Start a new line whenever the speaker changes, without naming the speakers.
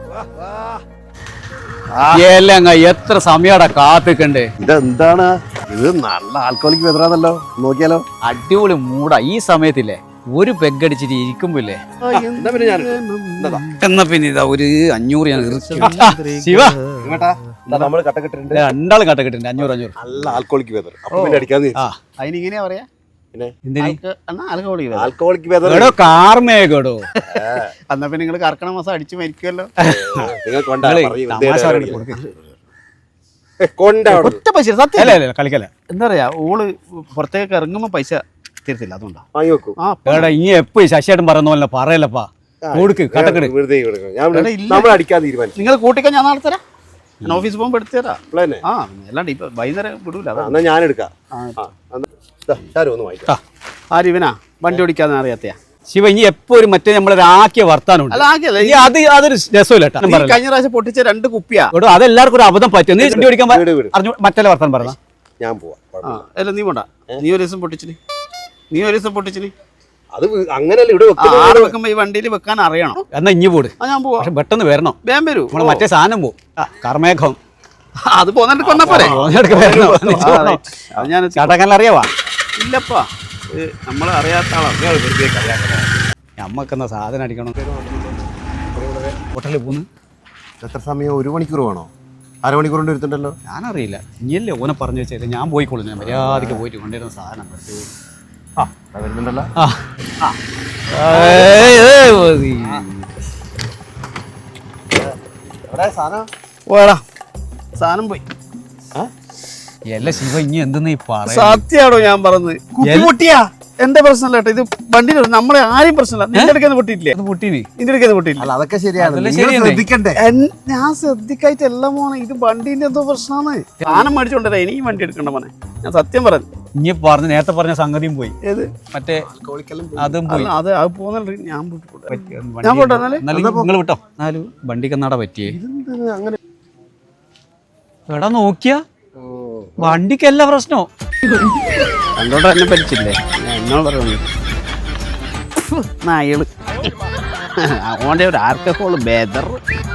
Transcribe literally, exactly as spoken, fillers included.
എല്ലാം എത്ര സമയടാ കാത്തിക്കണ്ടേ.
ഇതെന്താണ് ഇത്? നല്ല ആൽക്കോളിക് വെതറാന്നല്ലോ. നോക്കിയാലോ.
അടിപൊളി മൂടാ ഈ സമയത്തില്ലേ. ഒരു പെഗടിച്ചിട്ട് ഇരിക്കുമ്പോല്ലേ. എന്നാ പിന്നെ ഇതാ ഒരു അഞ്ഞൂറ് ഞാൻ ശിവ
നമ്മള് കട്ടക്കിട്ടുണ്ട്.
രണ്ടാളും കട്ടക്കിട്ടുണ്ട്. അഞ്ഞൂറ് അഞ്ഞൂറ്
നല്ല ആൽക്കോളിക് വെതർ. അപ്പൊ പിന്നെ അടിക്കാന്ന്
അതിനിങ്ങനെയാ പറയാ.
ആൽക്കോളിക് വെതർ
കാർമേഘടോ.
എന്നാ പിന്നെ നിങ്ങള് കർക്കണ മാസം അടിച്ചു മരിക്കുമല്ലോ. ഒറ്റ പൈസ സത്യം
കളിക്കല.
എന്താ പറയാ, ഓള് പുറത്തേക്ക് ഇറങ്ങുമ്പോ പൈസ തരത്തില്ല. അതുകൊണ്ടാ
വാങ്ങി വെക്കും.
എടാ ഇനി എപ്പോ ശശിയായിട്ടും പറയുന്ന പോലെ പറയല്ലപ്പാ. കൊടുക്ക് കട്ടക്കെട്.
നിങ്ങൾ കൂട്ടിക്കാൻ ഞാൻ നാളെ തരാം. ഞാൻ ഓഫീസിൽ പോകുമ്പോ എടുത്തു തരാം. ആ അല്ലാണ്ട് ഇപ്പൊ വൈകുന്നേരം വിടൂല.
ഞാൻ എടുക്കാം.
ആരിവനാ വണ്ടി ഓടിക്കാന്ന് അറിയാത്തയാ.
ശിവ ഇനി എപ്പോ ഒരു മറ്റേ നമ്മളൊരാക്കിയ വർത്താനം അത് അതൊരു രസമില്ല.
കഴിഞ്ഞ പ്രാവശ്യം പൊട്ടിച്ച രണ്ട് കുപ്പിയാ.
അതെല്ലാവർക്കും ഒരു അബദ്ധം പറ്റും. നീ വണ്ടി ഓടിക്കാൻ മറ്റേ വർത്താനം പറഞ്ഞ
ഞാൻ പോവാ.
അല്ല നീ പോണ്ട. നീ ഒരു ദിവസം പൊട്ടിച്ചിന് നീ ഒരു ദിവസം പൊട്ടിച്ചിന്
അത് അങ്ങനെയല്ല. ഇവിടെ
വെക്കുമ്പോ ഈ വണ്ടിയിൽ വെക്കാൻ അറിയണം.
എന്നാ ഇഞ്ഞി പോട്.
ഞാൻ പോവാ.
പക്ഷെ പെട്ടെന്ന് വരണം.
വേഗം വരൂ.
നമ്മള് മറ്റേ സാധനം പോവും. കർമേഘം
അത് പോന്നിട്ട് കൊന്നാ പോരെ.
ചടക്കല്ല അറിയാവാ.
ഇല്ലപ്പാ നമ്മള് അറിയാത്ത ആളാണ്.
നമ്മക്കെന്നാ സാധനം അടിക്കണം. ഹോട്ടലിൽ പോന്ന്
എത്ര സമയം? ഒരു മണിക്കൂർ വേണോ? അരമണിക്കൂർ കൊണ്ട് എടുത്തിട്ടുണ്ടല്ലോ.
ഞാനറിയില്ല. ഇനിയല്ലേ ഓനെ പറഞ്ഞു വെച്ചാൽ ഞാൻ പോയിക്കോളൂ. ഞാൻ മര്യാദക്ക് പോയിട്ട് കൊണ്ടുവരുന്ന സാധനം
ആ വരുന്നുണ്ടല്ലോ.
ഓടാ സാധനം പോയി.
എല്ലാ ശിവ ഇനി എന്തെന്ന് ഈ പറയാ.
സത്യാണോ ഞാൻ പറഞ്ഞത്? കുപ്പി പൊട്ടിയാ എന്റെ പ്രശ്നമല്ല കേട്ടോ. ഇത് വണ്ടിയിൽ നമ്മളെ ആരെയും പ്രശ്നമല്ല. നിന്റെ അടുക്കുന്ന പൊട്ടിയില്ലേ?
പൊട്ടീനി
നിന്റെ അടുക്കുന്ന പൊട്ടിയില്ല.
അതൊക്കെ ശരിയാണ്.
ശ്രദ്ധിക്കണ്ടേ? ഞാൻ ശ്രദ്ധിക്കായിട്ട് എല്ലാം പോണേ. ഇത് വണ്ടീന്റെ എന്തോ പ്രശ്നമാണ്. സാധനം മേടിച്ചോണ്ടേ ഇനിയും വണ്ടി എടുക്കണ്ട മോനെ. ഞാൻ സത്യം പറഞ്ഞു.
ഇനി പറഞ്ഞ നേരത്തെ പറഞ്ഞ സംഗതിയും പോയി.
ഏത്
മറ്റേ അതും പോയി.
അത് അത് പോകുന്നുണ്ട്. ഞാൻ ഞാൻ പോട്ടെ.
നിങ്ങൾ വിട്ടോ. എന്നാലും വണ്ടിക്ക് എന്നാടാ പറ്റിയേ. എടാ നോക്കിയാ വണ്ടിക്കല്ല പ്രശ്നോ.
കണ്ടോണ്ട് എന്നെ പറ്റിച്ചില്ലേ? എന്നോട് പറയുന്നു നായള്. അതുകൊണ്ട് ഒരു ആർക്കോള് ബേദർ